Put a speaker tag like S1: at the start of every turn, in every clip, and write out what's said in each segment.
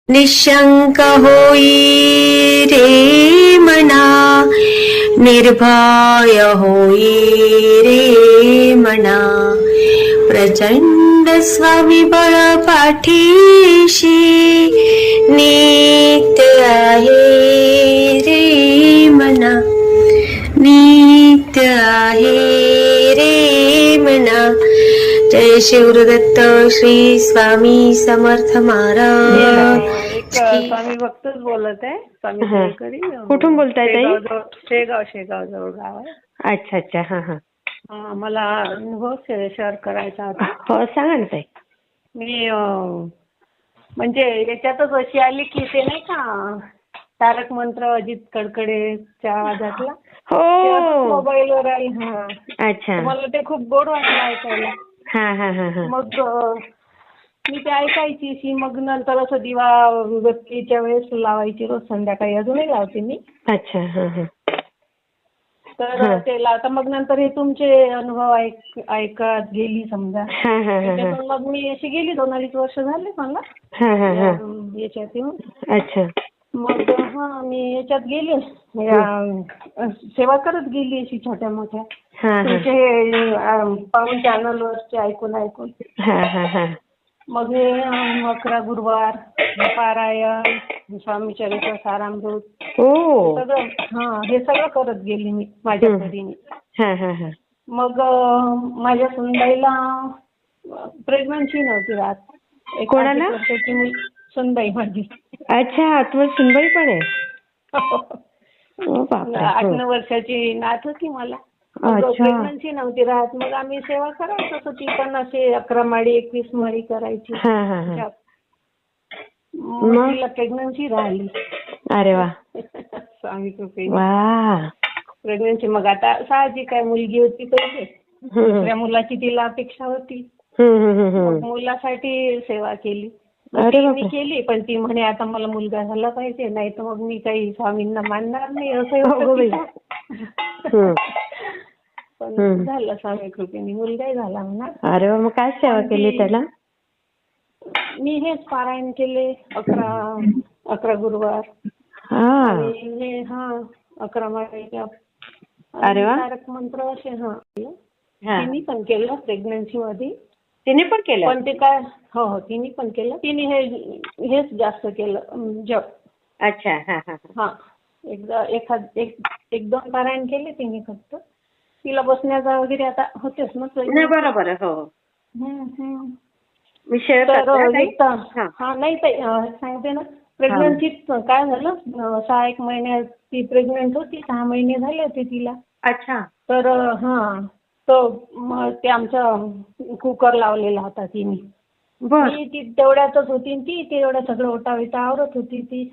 S1: निशंक होई रे मना, निर्भय होई रे मना, प्रचंड स्वविबळ पाठीशी नित्य आहे रे मना, नित्य आहे रे मना. जय शिवदत्त श्री स्वामी समर्थ महाराज.
S2: स्वामी भक्तच बोलत आहे. स्वामी सेवेकरी.
S1: कुठून बोलताय ताई?
S2: शेगाव जवळ गाव आहे.
S1: अच्छा अच्छा. हा हा.
S2: मला अनुभव शेअर करायचा होता.
S1: हो सांगा ना ताई.
S2: मी म्हणजे याच्यातच अशी आली की ते नाही का तारक मंत्र अजित कडकडेच्या आवाजातला.
S1: हो
S2: मोबाईलवर आली.
S1: अच्छा.
S2: मला ते खूप गोड वाटलं ऐकायला.
S1: हा हा हा. मग
S2: मी ते ऐकायची. मग नंतर असं दिवा बत्तीच्या वेळेस लावायची रोज संध्याकाळी. अजूनही लावते मी.
S1: अच्छा. हा हा.
S2: तर ते लावता. मग नंतर हे तुमचे अनुभव ऐकत गेली समजा. त्याच्यातून मग मी अशी गेली 2-2.5 वर्ष झाले मला याच्यात येऊन. अच्छा. मग मी याच्यात गेली. सेवा करत गेली अशी छोट्या मोठ्या. तुमचे पाहून चॅनलवरचे ऐकून. मग हे 11 गुरुवार, पारायण, स्वामी चरित्र सारामृत सगळं हे सगळं करत गेली मी माझ्या परीने. मग माझ्या सुनबाईला प्रेग्नन्सी नव्हती राहत. 1 वर्षाची सुनबाई माझी.
S1: अच्छा. तुम्हाला सुनबाई पण आहे?
S2: 8-9 वर्षाची नात होती मला. प्रेग्नन्सी नव्हती राहत. मग आम्ही सेवा करायचो. ती पण असे 11 माळी 21 माळी करायची. मग तिला प्रेग्नन्सी राहिली.
S1: अरे वा.
S2: स्वामी कृपेने प्रेग्नन्सी. मग आता साहजिक आहे, मुलगी होती पहिले. दुसऱ्या मुलाची तिला अपेक्षा होती. मग मुलासाठी सेवा केली. मी केली. पण ती म्हणे आता मला मुलगा झाला पाहिजे, नाही तर मग मी काही स्वामींना मानणार नाही असं. पण झालं स्वामी कृपेने. मुलगाही झाला म्हणा.
S1: अरे मग काय सेवा केली त्याला?
S2: मी हेच पारायण केले 11 गुरुवार. आणि 11 माळ्या. तारक मंत्र असे. तिने पण केलं प्रेग्नन्सी मध्ये.
S1: तिने पण केलं?
S2: पण ते काय हो तिने पण केलं. तिने हेच जास्त केलं जप.
S1: अच्छा.
S2: एकदा 1-2 पारायण केले तिने फक्त. तिला बसण्याचा वगैरे आता होतेच ना.
S1: बरोबर. हो.
S2: नाही ताई सांगते ना. प्रेग्नन्सीत काय झालं, 6-1 महिन्यात ती प्रेग्नंट होती. 6 महिने झाले होते तिला.
S1: अच्छा.
S2: तर ते आमचा कुकर लावलेला होता तिने. ती तेवढ्यातच होती. ती तेवढ्या सगळं ओटा आवरत होती ती.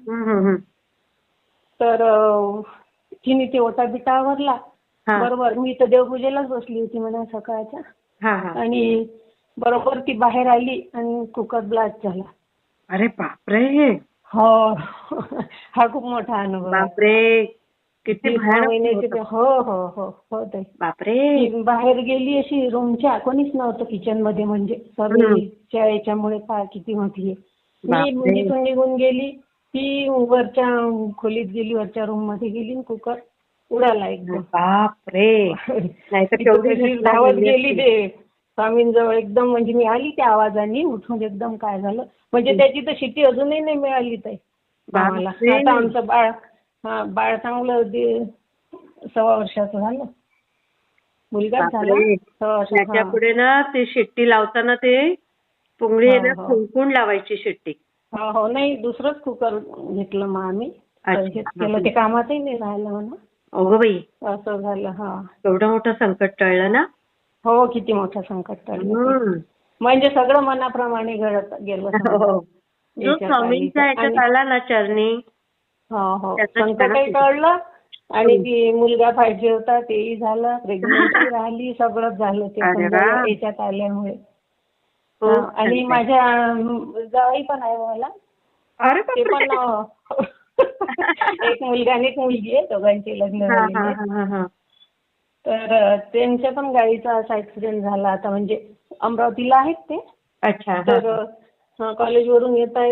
S2: तर तिने ते ओटा बिटा आवरला. बरोबर मी तर देवपूजेलाच बसली होती म्हणा सकाळच्या. आणि बरोबर ती बाहेर आली आणि कुकर ब्लास्ट झाला.
S1: अरे बापरे.
S2: हो. हा खूप मोठा अनुभव.
S1: बापरे. किती
S2: महिन्याचे. हो ताई. बापरे. बाहेर गेली अशी रूमच्या. कोणीच नव्हतं किचन मध्ये. म्हणजे सर्वीच्या याच्यामुळे काय किती मोठी आहे. मी तिथून निघून गेली. ती वरच्या खोलीत गेली, वरच्या रूम मध्ये गेली. कुकर उडाला एकदम.
S1: बापरे.
S2: धावत गेली ते स्वामींजवळ एकदम. म्हणजे मी आली त्या आवाजाने उठून एकदम. काय झालं म्हणजे त्याची तर शिट्टी अजूनही नाही मिळाली ताई आम्हाला. आता आमचं बाळ चांगलं 1.25 वर्षाचं झालं. मुलगा झाला 6 वर्षाचा.
S1: त्याच्या पुढे ना ते शिट्टी लावताना ते पुंगळी फुंकून लावायची शिट्टी.
S2: हो. नाही दुसरंच कुकर घेतलं मग आम्ही. केलं ते कामातही नाही राहिलं म्हणा.
S1: अगं बाई.
S2: असं झालं.
S1: एवढं मोठं संकट टळलं ना.
S2: हो किती मोठं संकट टळलं. म्हणजे सगळं मनाप्रमाणे घडत गेलं.
S1: जो स्वामींच्या याच्यात आला ना चरणी.
S2: संकटही टळलं. आणि ती मुलगा पाहिजे होता तेही झालं. प्रेग्नन्सी राहिली. सगळंच झालं ते याच्यात आल्यामुळे. आणि माझ्या जावई पण आहे मला. ते पण एक मुलगा आणि एक मुलगी आहे. दोघांचे लग्न झालेले. तर त्यांच्या पण गाडीचा असा ऍक्सिडेंट झाला. आता म्हणजे अमरावतीला आहेत ते. तर कॉलेजवरून येता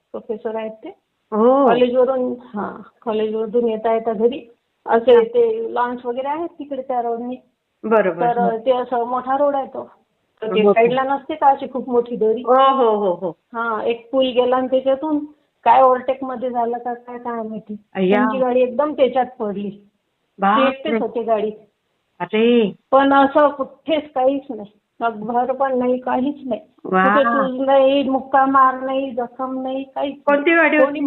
S2: प्रोफेसर आहेत ते.
S1: हो.
S2: कॉलेजवरून येता येता घरी असे ते लॉन्स वगैरे आहेत तिकडे त्या रोडनी.
S1: बरोबर.
S2: तर ते असं मोठा रोड आहे तो. तर ते साईडला नसते का अशी खूप मोठी दरी.
S1: हो हो हो हो.
S2: हा, एक पूल गेला आणि त्याच्यातून काय ओव्हरटेक मध्ये झालं का काय माहिती. त्यांची गाडी एकदम त्याच्यात पडली. ते एकटेच होते गाडीत.
S1: अरे
S2: पण असं कुठेच काहीच नाही. भर पण नाही, काहीच नाही. कुठे सूज नाही, मुक्का मार नाही, जखम नाही, काहीच.
S1: कोणती गाडी होती?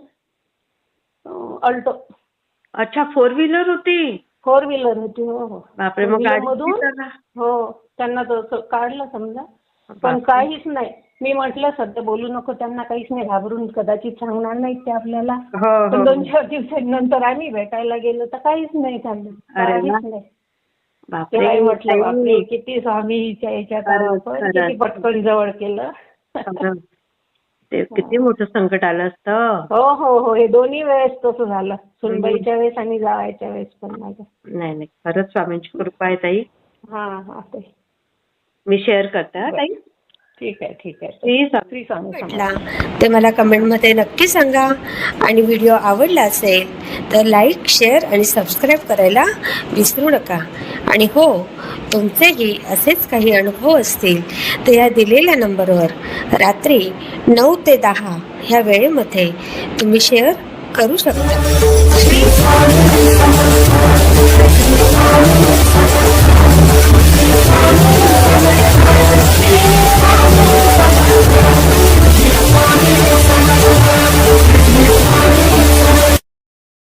S2: अल्टो.
S1: अच्छा, 4 व्हीलर होती.
S2: 4 व्हीलर होती. हो हो.
S1: बापरे, मग
S2: हो, त्यांना तर काढलं समजा, पण काहीच नाही. मी म्हटलं सध्या बोलू नको त्यांना, काहीच नाही, घाबरून कदाचित सांगणार नाहीत ते आपल्याला. पण 2-4 दिवसांनंतर आम्ही भेटायला गेलो तर काहीच नाही झालं, काहीच नाही. तेव्हा म्हटलं बापरे, किती स्वामीच्या याच्यात आपण किती पटकन जवळ केलं.
S1: ते किती मोठं संकट आलं असतं.
S2: हो हो हो, हे दोन्ही वेळेस तसं झालं, सुनबाईच्या वेळेस आणि जावायच्या वेळेस पण माझ्या.
S1: नाही नाही, खरंच स्वामींची कृपा आहे ताई.
S2: हा ताई,
S1: मी शेअर करते हा ताई.
S2: ठीक आहे. श्री स्वामी.
S3: ते मला कमेंटमध्ये नक्की सांगा. आणि व्हिडिओ आवडला असेल तर लाईक, शेअर आणि सबस्क्राईब करायला विसरू नका. आणि हो, तुमचेही असेच काही अनुभव असतील तर या दिलेल्या नंबरवर रात्री 9 ते 10 ह्या वेळेमध्ये तुम्ही शेअर करू शकता.